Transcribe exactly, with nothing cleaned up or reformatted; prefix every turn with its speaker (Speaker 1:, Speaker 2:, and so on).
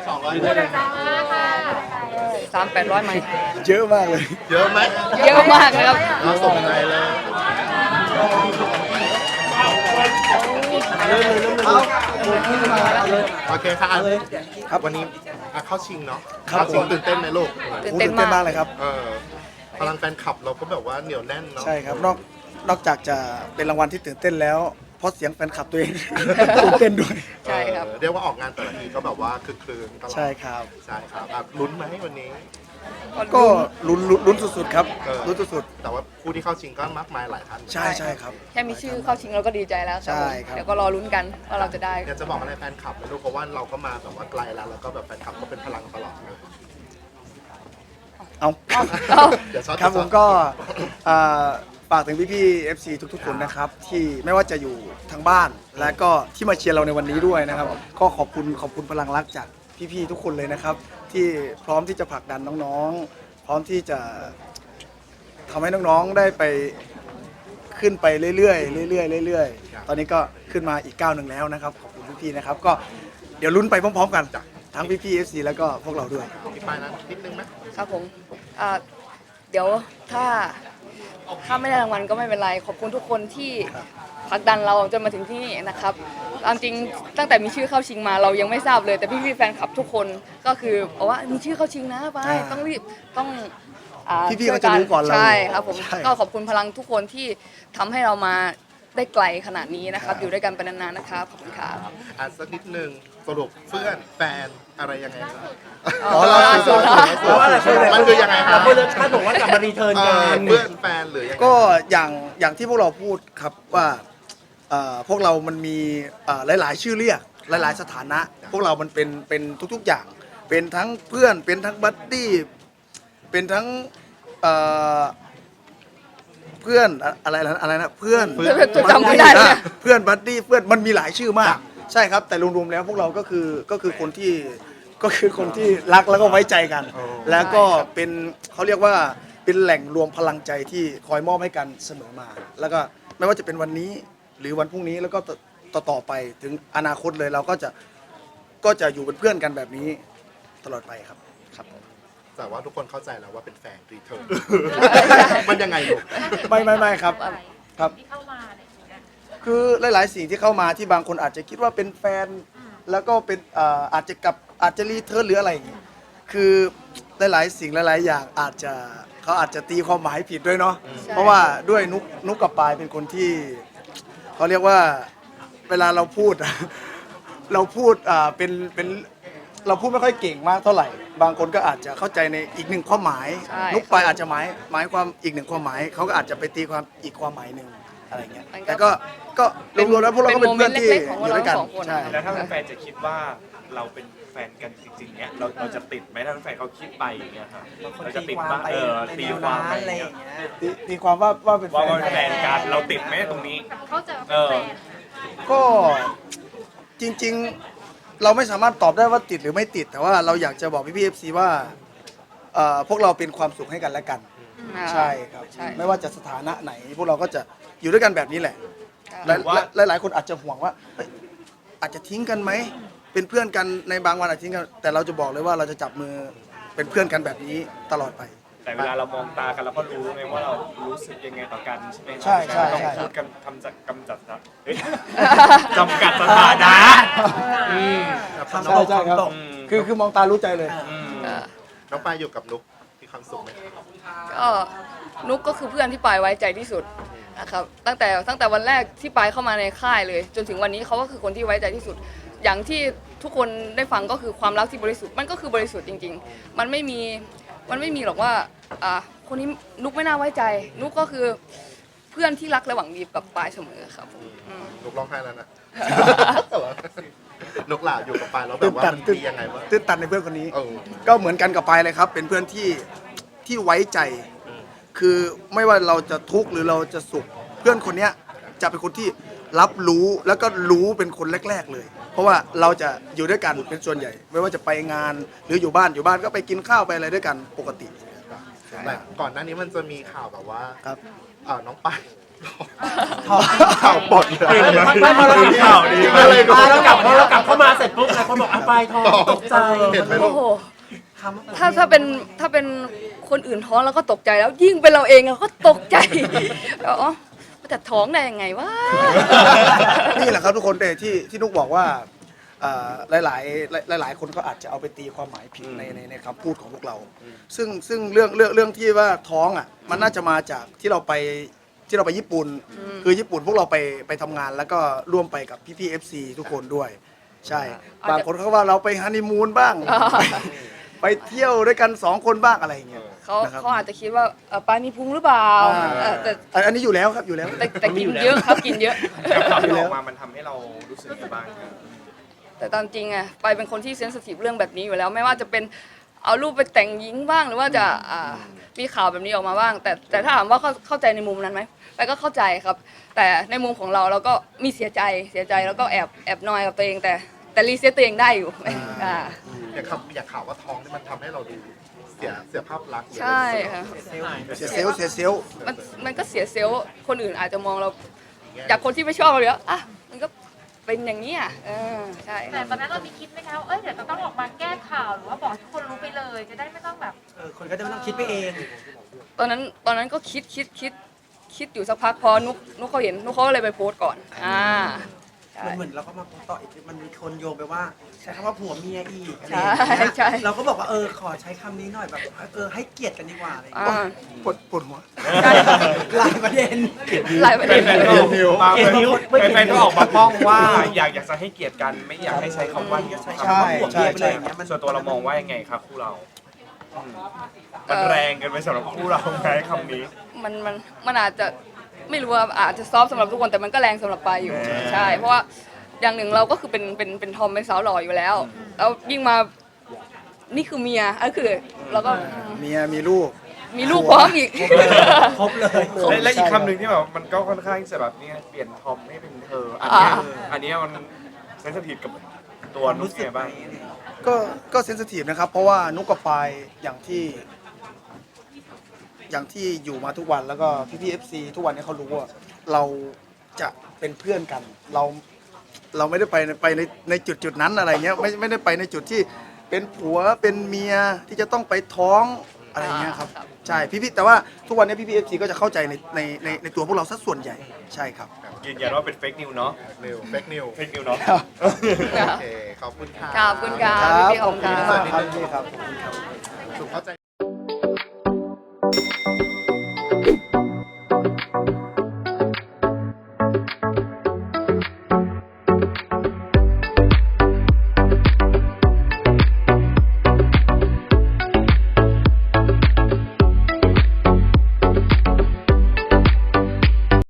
Speaker 1: สองร้อย
Speaker 2: สามแปดร้อยไหม
Speaker 3: เยอะมากเลย
Speaker 1: เยอะไหม
Speaker 2: เยอะมากนะครับ
Speaker 1: เราส่งใจเลยโอเคค่ะครับวันนี้อ่ะเข้าชิงเนาะ
Speaker 3: ครับ
Speaker 1: เข้าชิง
Speaker 3: ผม
Speaker 1: ตื่นเต้นไหมลูก
Speaker 2: ตื่น
Speaker 3: โอ้
Speaker 2: เต้น
Speaker 3: ตื่นเต้น
Speaker 2: มาม
Speaker 3: าก กเลยครับ
Speaker 1: เออพลังแฟนคลับเราก็แบบว่าเหนียวแน่นเนาะ
Speaker 3: ใช่ครับนอกนอกจากจะเป็นรางวัลที่ตื่นเต้นแล้ว เพราะเสียงแฟนคลับตัวเอง ตื่นเต้นด้วย
Speaker 2: ใช่ครับ
Speaker 1: เออเรียกว่าออกงานแต่ละทีก็แบบว่าคึกคืนตลอด
Speaker 3: ใช่ครับ
Speaker 1: ใช่ครับอ่ะลุ้นไหมวันนี้
Speaker 3: ก็ลุ้นลุ้นลุ้นสุดๆครับ
Speaker 1: เออ
Speaker 3: ลุ้นสุด
Speaker 1: แต่ว่าผู้ที่เข้าชิงก็มากมายหลายท่าน
Speaker 3: ๆใช่ใช่ครับ
Speaker 2: แค่มีชื่อเข้าชิงเราก็ดีใจแล้ว
Speaker 3: ใช่ครับ
Speaker 2: เดี๋ยวก็รอลุ้นกันว่าเราจะได้
Speaker 1: อยากจะบอกอะไรแฟนคลับนะลูกเพราะว่าเราก็มาแบบว่าไกลแล้วแล้วก็แบบแฟนคลับก็เป็นพลังตลอดเลย
Speaker 3: เอา
Speaker 2: เอา
Speaker 1: เดี๋ยวช็อต
Speaker 3: ครับผมก็อ่าฝากถึงพี่ๆ เอฟ ซี ทุกๆ คนนะครับ ที่ไม่ว่าจะอยู่ทางบ้าน และก็ที่มาเชียร์เราในวันนี้ด้วยนะครับ ก็ขอบคุณขอบคุณพลังรักจากพี่ๆ ทุกคนเลยนะครับ ที่พร้อมที่จะผลักดันน้องๆ พร้อมที่จะทำให้น้องๆ ได้ไปขึ้นไปเรื่อยๆเรื่อยๆเรื่อยๆ ตอนนี้ก็ขึ้นมาอีกก้าวหนึ่งแล้วนะครับ ขอบคุณพี่ๆ นะครับ ก็เดี๋ยวลุ้นไปพร้อมๆ กัน ทั้งพี่ๆ เอฟ ซี แล้วก็พวกเราด้วย
Speaker 1: พี่ปายนั้นนิดนึงไหม
Speaker 2: ครับผมอ่าเดี๋ยวถ้าถ้าไม่ได้รางวัลก็ไม่เป็นไร ขอบคุณทุกคนที่ผลักดันเราจนมาถึงที่นี่นะครับตามจริงตั้งแต่มีชื่อเข้าชิงมาเรายังไม่ทราบเลย แต่พี่ๆแฟนคลับทุกคนก็คือบอกว่ามีชื่อเข้าชิงนะไป
Speaker 3: อ่า
Speaker 2: ต้องรีบต้องอ่า
Speaker 3: พี่ๆก็จะรู้ก่อนเรา
Speaker 2: ใช่ครับผม
Speaker 3: ใช่
Speaker 2: ก็ขอบคุณพลังทุกคนที่ทำให้เรามาได้ไกลขนาดนี้นะครับ อยู่ด้วยกันไปนานๆนะครับขอบคุณครับ
Speaker 1: อ่ะสักนิดนึงสรุปเพื่อนแฟนอะไรยังไงครับ
Speaker 2: อ๋อล่าสุดล่าสุด
Speaker 1: มันคือยังไงครับ
Speaker 4: เพื่อนคาดบอกว่ากลับมารีเทิร์น
Speaker 1: เอ
Speaker 4: กั
Speaker 1: อน เพื่อนแฟนหรือยังไง
Speaker 3: ก็อย่างอย่างที่พวกเราพูดครับว่าเอ่อพวกเรามันมีเอ่อหลาย ๆ ชื่อเรียกหลาย ๆ สถานะ พวกเรามันเป็นเป็นทุก ๆ อย่าง เป็นทั้งเพื่อนเป็นทั้งบัดดี้เป็นทั้งเอ่อเพื่อนอะอะไรนะอะไรนะเพื่อน
Speaker 2: เพื่อนจำไม่ได้เลย
Speaker 3: เพื่อนบัดดี้เพื่อนมันมีหลายชื่อมาก ใช่ครับ แต่รวมๆแล้วพวกเราก็คือก็คือคนที่ก็คือคนที่รักแล้วก็ไว้ใจกัน แล้วก็เป็นเขาเรียกว่าเป็นแหล่งรวมพลังใจที่คอยมอบให้กันเสมอมา แล้วก็ไม่ว่าจะเป็นวันนี้หรือวันพรุ่งนี้แล้วก็ต่อต่อไปถึงอนาคตเลยเราก็จะก็จะอยู่เป็นเพื่อนกันแบบนี้ตลอดไปครับครับ
Speaker 1: แต่ว่าทุกคนเข้าใจแล้วว่าเป็นแฟนรีเทิร์นมันยังไงลูก
Speaker 3: ไม่ไม่ไม่ครับครับ
Speaker 5: ที่เข้ามาอะไรอย่างเงี้ย
Speaker 3: คือหลาย ๆ สิ่งที่เข้ามาที่บางคนอาจจะคิดว่าเป็นแฟน แล้วก็เป็นเอ่ออาจจะกลับอาจจะรีเทิร์นหรืออะไรอย่างงี้คือหลาย ๆ สิ่งหลาย ๆ อย่างอาจจะเขาอาจจะตีความหมายผิดด้วยเนาะเพราะว่าด้วยนุกนุกกับปายเป็นคนที่เขาเรียกว่าเวลาเราพูด เราพูดอ่าเป็นเป็นเราพูดไม่ค่อยเก่งมากเท่าไหร่ บางคนก็อาจจะเข้าใจในอีกหนึ่งความหมาย
Speaker 2: ใช่
Speaker 3: นุกปายอาจจะหมายหมายความอีกหนึ่งความหมายเขาก็อาจจะไปตีความอีกความหมายหนึ่งอะไรเงี้ย
Speaker 2: มันก็
Speaker 3: แต่ก็ก็รวมๆแล้วพวกเราก็เป็นเพื่อนที่
Speaker 2: เป็นโมเมนต์เล็กๆของ
Speaker 3: อยู่ด้วยกัน
Speaker 2: เราสองคน
Speaker 3: ใช่
Speaker 4: แล้วถ้าแฟนๆจะคิดว่าเราเป็นแฟนกันจริงๆเนี่ยเราเราจะติดไหมถ้าแฟนเขาคิดไปอย่างเงี้ยครับเราจะติดบ้างเออตีความไปอย่างเงี้ย
Speaker 3: ตีตีความว่าว่าเป็นแฟ
Speaker 4: ว่าน เป็นแฟนกันเราติดไหมตรงนี้
Speaker 5: เขาเจอ
Speaker 4: เออ
Speaker 5: แฟน
Speaker 3: ก็จริงๆเราไม่สามารถตอบได้ว่าติดหรือไม่ติด แต่ว่าเราอยากจะบอกพี่พีเอฟซีว่าเอ่อพวกเราเป็นความสุขให้กันและกัน
Speaker 2: อ่า
Speaker 3: ใช่ครับ
Speaker 2: ใช่
Speaker 3: ไม่ว่าจะสถานะไหน พวกเราก็จะอยู่ด้วยกันแบบนี้แหละ
Speaker 2: ใช่
Speaker 3: หลายหลายหลายคนอาจจะห่วงว่าเฮ้ยอาจจะทิ้งกันไหมเป็นเพื่อนกันในบางวันอาจจะทิ้งกันแต่เราจะบอกเลยว่าเราจะจับมือเป็นเพื่อนกันแบบนี้ตลอดไป
Speaker 4: แต่เวลาเรามองตากันเราก็รู้ไงว่าเรารู้สึกยังไงต่อกันใช่ไหม
Speaker 3: ใช่ใช่ใช่
Speaker 4: ต้องพูดกันทำจากกำจัดนะเฮ้ยจำกัดสถานะอืม
Speaker 3: ใช่ใช่ครับ
Speaker 4: อืม
Speaker 3: คือคือมองตารู้ใจเลย
Speaker 4: อืม
Speaker 2: เออ
Speaker 1: น้องปายอยู่กับนุกมีความสุขไหม
Speaker 2: ก็นุกก็คือเพื่อนที่ปายไว้ใจที่สุดนะครับตั้งแต่ตั้งแต่วันแรกที่ปายเข้ามาในค่ายเลย จนถึงวันนี้เขาก็คือคนที่ไว้ใจที่สุด อย่างที่ทุกคนได้ฟังก็คือความรักที่บริสุทธิ์มันก็คือบริสุทธิ์จริง ๆ มันไม่มีมันไม่มีหรอกว่าอ่าคนนี้นุกไม่น่าไว้ใจ นุกก็คือเพื่อนที่รักและหวังดีกับปายเสมอครับอืม
Speaker 1: นุกร้องไห้แล้วนะ นุกหล่าอยู่กับปายแล้วแบ
Speaker 3: ตื่
Speaker 1: บ
Speaker 3: น
Speaker 1: ว่า
Speaker 3: ตัน
Speaker 1: มัน
Speaker 3: ตื่น
Speaker 1: ดียังไงวะ
Speaker 3: ตื่นตันในเพื่อนคนนี้
Speaker 1: เออ
Speaker 3: ก็เหมือนกันกับปายเลยครับ เป็นเพื่อนที่ที่ไว้ใจ
Speaker 1: อืม
Speaker 3: คือไม่ว่าเราจะทุกข์หรือเราจะสุข เพื่อนคนเนี้ยจะเป็นคนที่รับรู้แล้วก็รู้เป็นคนแรก ๆเลย เพราะว่าเราจะอยู่ด้วยกันเป็นส่วนใหญ่ ไม่ว่าจะไปงานหรืออยู่บ้านอยู่บ้านก็ไปกินข้าวไปอะไรด้วยกันปกติ
Speaker 1: แต่ก่อนหน้านี้มันจะมีข่าวแบบว่า
Speaker 3: ครับ
Speaker 1: เอ่อน้องปายข่าวปลดเลย
Speaker 5: ไม่พอเรา
Speaker 4: ข่าวดี
Speaker 1: จริงอะไร
Speaker 5: พอเรากลับพอเรากลับเข้ามาเสร็จปุ๊บหลายคนบอกอ่ะปลายทองตกใจ
Speaker 1: เห็นไหมลู
Speaker 2: โอ้
Speaker 1: ก
Speaker 2: โห
Speaker 5: คำว่
Speaker 2: ถ้าถ้าเป็นถ้าเป็นคนอื่นท้องเราก็ตกใจแล้ว ยิ่งเป็นเราเองเราก็ตกใจอ๋อแต่ท้องได้ยังไงวะ
Speaker 3: นี่แหละครับทุกคนแต่ที่ที่นุกบอกว่าเอ่อหลายๆหลายหลายๆคนก็อาจจะเอาไปตีความหมายผิดในในในคำพูดของพวกเรา ซึ่งซึ่งเรื่องเรื่องเรื่องที่ว่าท้องอ่ะมันน่าจะมาจากที่เราไปที่เราไปญี่ปุ่น คือญี่ปุ่นพวกเราไปไปทำงานแล้วก็ร่วมไปกับพี่พี่เอฟซีทุกคนด้วย ใช่
Speaker 2: อาจจะ
Speaker 3: บางคนเขาว่าเราไปฮันนีมูนบ้าง
Speaker 2: อ่า
Speaker 3: ไปไปเที่ยวด้วยกันสองคนบ้างอะไรอย่างเงี้ย
Speaker 2: เขา
Speaker 3: นะครับ
Speaker 2: เขาอาจจะคิดว่าเอ่อปลามีพุงหรือเปล่า
Speaker 3: อ่า
Speaker 2: เอ่อแต่
Speaker 3: อันอันนี้อยู่แล้วครับอยู่แล้ว
Speaker 2: แต่แต่กินเยอะครับกินเยอะ
Speaker 4: กับข่าวที่ออกมามันทำให้เรารู้สึกยังไงบ้างครับ
Speaker 2: แต่ตามจริงอะไปเป็นคนที่เซนซิทีฟเรื่องแบบนี้อยู่แล้ว ไม่ว่าจะเป็นเอารูปไปแต่งหญิงบ้างหรือว่าจะอ่ามีข่าวแบบนี้ออกมาบ้าง แต่แต่ถ้าถามว่าเข้าเข้าใจในมุมนั้นไหมไปก็เข้าใจครับ แต่ในมุมของเราเราก็มีเสียใจเสียใจแล้วก็แอบแอบนอยกับตัวเอง แต่แต่รีเซ็ตตัวเองได้อยู่อ่า
Speaker 1: อยากข่าวอยากข่าวว่าท้องนี่มันทำให้เราดูเสียเสียภาพลักษณ์หรือ
Speaker 2: ใช่ค่ะ
Speaker 3: เสียเซลลเสียเซลล
Speaker 2: มันมันก็เสียเซลล์คนอื่นอาจจะมองเราจากคนที่ไม่ชอบเราเลยอ่ะมันก็เป็นอย่างนี้อ่ะเออใช่
Speaker 6: แต่ตอนนั้นเรามีคิดไหมคะว่าเอ้ยเดี๋ยวจะต้องออกมาแก้ข่าวหรือว่าบอกให้ทุกคนรู้ไปเลย จะได้ไม่ต้องแบบ
Speaker 5: เออคนก็จะไม่ต้องคิดไปเอง
Speaker 2: ตอนนั้นตอนนั้นก็คิดคิดคิดคิดอยู่สักพักพอนุกนุกเขาเห็นนุกเขาก็เลยไปโพสต์ก่อนอ่าใช่
Speaker 5: มันเหมือนเราก็มาต่ออีกมันมีคนโยงไปว่าใช้คำว่าผัวเมียอีกอะไร
Speaker 2: ใช่
Speaker 5: อย่างเงี้ย
Speaker 2: ใช่
Speaker 5: เราก็บอกว่าเออขอใช้คำนี้หน่อยแบบเออให้เกียรติกันดีกว่าอะไรอย่าง
Speaker 2: อ่า
Speaker 5: เงี้ย
Speaker 3: ปวดปวดหัว
Speaker 5: หลายประเด็น
Speaker 2: หลายประเด็น
Speaker 4: แฟนๆก็มาแฟนๆก็ออกมาป้องว่าอยากอยากจะให้เกียรติกันไม่อยากให้ใช้คำว่า
Speaker 5: ใช้คำว่าผัวเมียไปเลยอย่างเงี้ยมัน
Speaker 4: ส่วนตัวเรามองว่ายังไงครับคู่เราอืมมันแรงเกินไปสำหรับคู่เราไหมคำนี้
Speaker 2: มันมันมันอาจจะไม่รู้ว่าอาจจะซอฟต์สำหรับทุกคนแต่มันก็แรงสำหรับปายอยู่
Speaker 4: อ่า
Speaker 2: ใช่ เพราะว่าอย่างหนึ่งเราก็คือเป็นเป็นเป็นทอมเป็นสาวหล่ออยู่แล้ว แล้วยิ่งมานี่คือเมียก็คือเราก็
Speaker 3: เมียมีลูก
Speaker 2: มีลูกพร้อมอีก
Speaker 5: ครบเลย
Speaker 4: และและอีกคำหนึ่งที่แบบมันก็ค่อนข้างจะแบบนี่เปลี่ยนทอมให้เป็นเธอ อันเนี้ย
Speaker 2: อ่า
Speaker 4: อันเนี้ยมันเซนซิทีฟกับตัวนุ๊กไงบ้าง
Speaker 3: ก็ก็เซนซิทีฟนะครับ เพราะว่านุกกับปายอย่างที่ อย่างที่อยู่มาทุกวันแล้วก็พี่พี่เอฟซีทุกวันนี้เขารู้ว่าเราจะเป็นเพื่อนกัน เราเราไม่ได้ไปในไปในในจุดจุดนั้นอะไรเงี้ยไม่ไม่ได้ไปในจุดที่เป็นผัวเป็นเมียที่จะต้องไปท้องอะไรเงี้ยครับ
Speaker 2: ครับ
Speaker 3: ใช่พี่พี่แต่ว่าทุกวันนี้พี่พี่เอฟซีก็จะเข้าใจในในในในตัวพวกเราสัดส่วนใหญ่ใช่ครับ
Speaker 4: ยืนยันว่าเป็นเฟกนิวเนาะ
Speaker 1: นิวเฟกนิว
Speaker 4: เฟกนิวเนาะ
Speaker 1: โอเคขอบคุณค่ะ
Speaker 2: ขอบคุณครับ
Speaker 3: ครับ
Speaker 2: พี่ๆขอบคุณ
Speaker 3: ขอบคุณ
Speaker 2: ค
Speaker 3: มา
Speaker 2: รั
Speaker 3: ก
Speaker 2: บ
Speaker 3: ครับพี่ครับ
Speaker 1: ถูกเข้าใจ